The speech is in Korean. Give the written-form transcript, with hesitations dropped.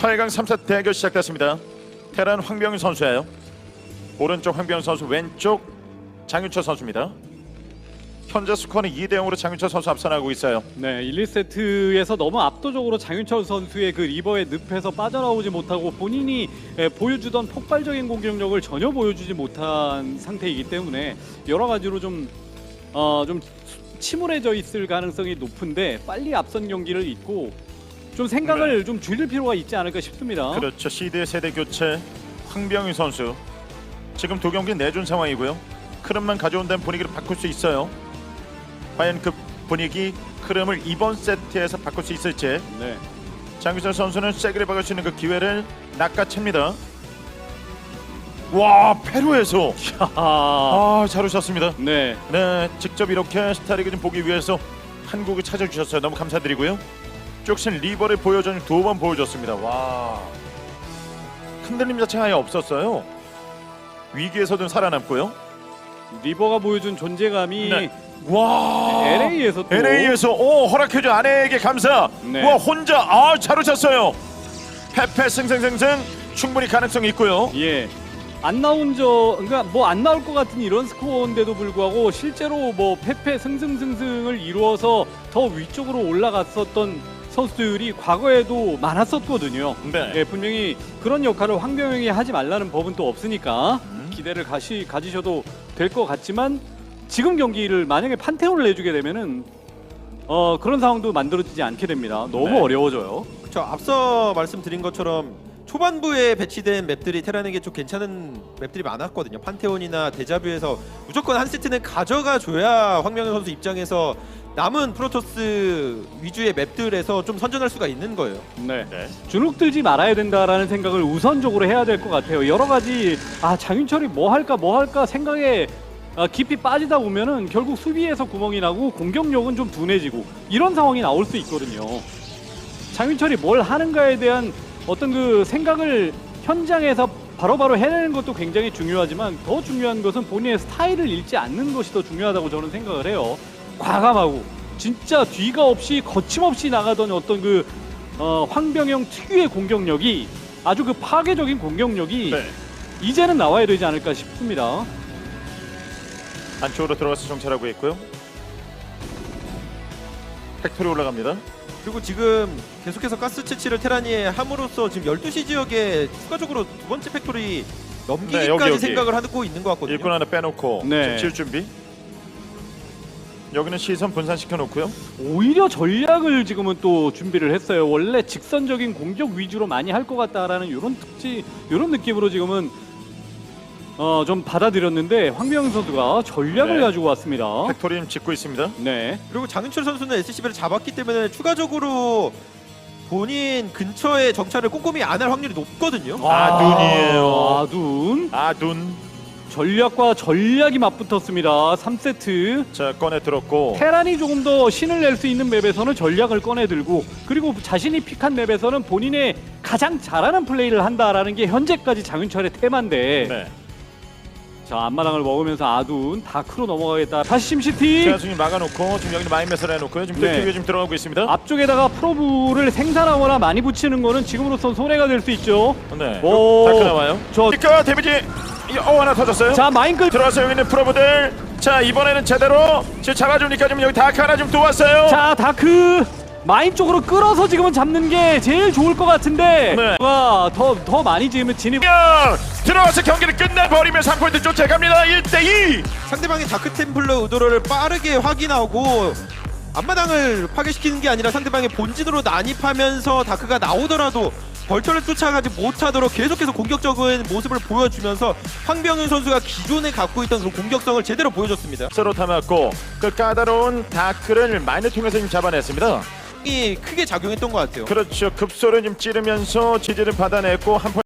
8강 3세 대결 시작됐습니다. 테란 황병윤 선수예요. 오른쪽 황병윤 선수, 왼쪽 장윤철 선수입니다. 현재 스코어는 2대 0으로 장윤철 선수 앞서나가고 있어요. 네, 1, 2세트에서 너무 압도적으로 장윤철 선수의 그 리버의 늪에서 빠져나오지 못하고 본인이 보여주던 폭발적인 공격력을 전혀 보여주지 못한 상태이기 때문에 여러 가지로 좀 침울해져 있을 가능성이 높은데 빨리 앞선 경기를 잊고 좀 생각을 좀 줄일 필요가 있지 않을까 싶습니다. 그렇죠. 시드의 세대 교체 황병윤 선수 지금 두 경기 내준 상황이고요. 흐름만 가져온 다음 분위기를 바꿀 수 있어요. 과연 그 분위기 흐름을 이번 세트에서 바꿀 수 있을지. 네. 장윤철 선수는 세게 박을 수 있는 그 기회를 낚아챕니다. 와, 페루에서 잘 오셨습니다. 네. 네, 직접 이렇게 스타리그 좀 보기 위해서 한국을 찾아주셨어요. 너무 감사드리고요. 쪽신 리버를 보여준 2번 보여줬습니다. 와, 흔들림 자체가 아예 없었어요. 위기에서도 살아남고요. 리버가 보여준 존재감이 네. 와, LA에서 또 LA에서 허락해준 아내에게 감사. 네. 와, 혼자 잘 오셨어요. 페페 승승승승 충분히 가능성이 있고요. 예. 안 나온 그러니까 뭐 안 나올 것 같은 이런 스코어인데도 불구하고 실제로 뭐 패패 승승승승을 이루어서 더 위쪽으로 올라갔었던 선수들이 과거에도 많았었거든요. 네. 예, 분명히 그런 역할을 황병영이 하지 말라는 법은 또 없으니까 기대를 가지셔도 될 것 같지만 지금 경기를 만약에 판테온을 내주게 되면은 그런 상황도 만들어지지 않게 됩니다. 너무 네. 어려워져요. 그렇죠. 앞서 말씀드린 것처럼 초반부에 배치된 맵들이 테란에게 좀 괜찮은 맵들이 많았거든요. 판테온이나 데자뷰에서 무조건 한 세트는 가져가 줘야 황명현 선수 입장에서 남은 프로토스 위주의 맵들에서 좀 선전할 수가 있는 거예요. 네. 네. 주눅 들지 말아야 된다라는 생각을 우선적으로 해야 될 것 같아요. 여러 가지 장윤철이 뭐 할까 생각에 깊이 빠지다 보면은 결국 수비에서 구멍이 나고 공격력은 좀 둔해지고 이런 상황이 나올 수 있거든요. 장윤철이 뭘 하는가에 대한 어떤 그 생각을 현장에서 바로바로 해내는 것도 굉장히 중요하지만 더 중요한 것은 본인의 스타일을 잃지 않는 것이 더 중요하다고 저는 생각을 해요. 과감하고 진짜 뒤가 없이 거침없이 나가던 어떤 그 황병영 특유의 공격력이 아주 그 파괴적인 공격력이 네. 이제는 나와야 되지 않을까 싶습니다. 안쪽으로 들어가서 정찰하고 있고요. 팩토리 올라갑니다. 그리고 지금 계속해서 가스 채취를 테란이 함으로써 지금 12시 지역에 추가적으로 두 번째 팩토리 넘기기까지 네, 여기. 생각을 하고 있는 것 같거든요. 일꾼 하나 빼놓고 네. 지금 지을 준비. 여기는 시선 분산시켜 놓고요. 오히려 전략을 지금은 또 준비를 했어요. 원래 직선적인 공격 위주로 많이 할 것 같다라는 이런 느낌으로 지금은 좀 받아들였는데 황병영 선수가 전략을 네. 가지고 왔습니다. 팩토리 좀 짓고 있습니다. 네. 그리고 장윤철 선수는 SCB를 잡았기 때문에 추가적으로 본인 근처에 정찰을 꼼꼼히 안 할 확률이 높거든요. 아둔이에요. 아둔. 아둔. 전략과 전략이 맞붙었습니다. 3세트. 자, 꺼내 들었고. 테란이 조금 더 신을 낼 수 있는 맵에서는 전략을 꺼내들고 그리고 자신이 픽한 맵에서는 본인의 가장 잘하는 플레이를 한다라는 게 현재까지 장윤철의 테마인데 네. 자, 앞마당을 먹으면서 아둔 다크로 넘어가겠다. 다시 심시티. 제가 지금 막아놓고 지금 여기는 마인메스를 해놓고요. 지금 네. 네. 지금 들어가고 있습니다. 앞쪽에다가 프로브를 생산하거나 많이 붙이는 거는 지금으로선 손해가 될 수 있죠. 네. 오. 다크 나와요. 저- 그러니까 데미지 하나 터졌어요. 자, 마인클. 들어와서 여기 있는 프로브들. 자, 이번에는 제대로 지금 잡아주니까 지금 여기 다크 하나 좀 또 왔어요. 자, 다크 마인 쪽으로 끌어서 지금은 잡는 게 제일 좋을 것 같은데 네. 더 많이 지으면 진입. 들어와서 경기를 끝내버리면 3포인트 쫓아갑니다. 1대2. 상대방의 다크템플러 의도를 빠르게 확인하고 앞마당을 파괴시키는 게 아니라 상대방의 본진으로 난입하면서 다크가 나오더라도 벌처를 쫓아가지 못하도록 계속해서 공격적인 모습을 보여주면서 황병윤 선수가 기존에 갖고 있던 그 공격성을 제대로 보여줬습니다. 서로 담았고 그 까다로운 다크를 마인을 통해서 지금 잡아냈습니다. 이 크게 작용했던 것 같아요. 그렇죠. 급소를 좀 찌르면서 지지를 받아냈고 한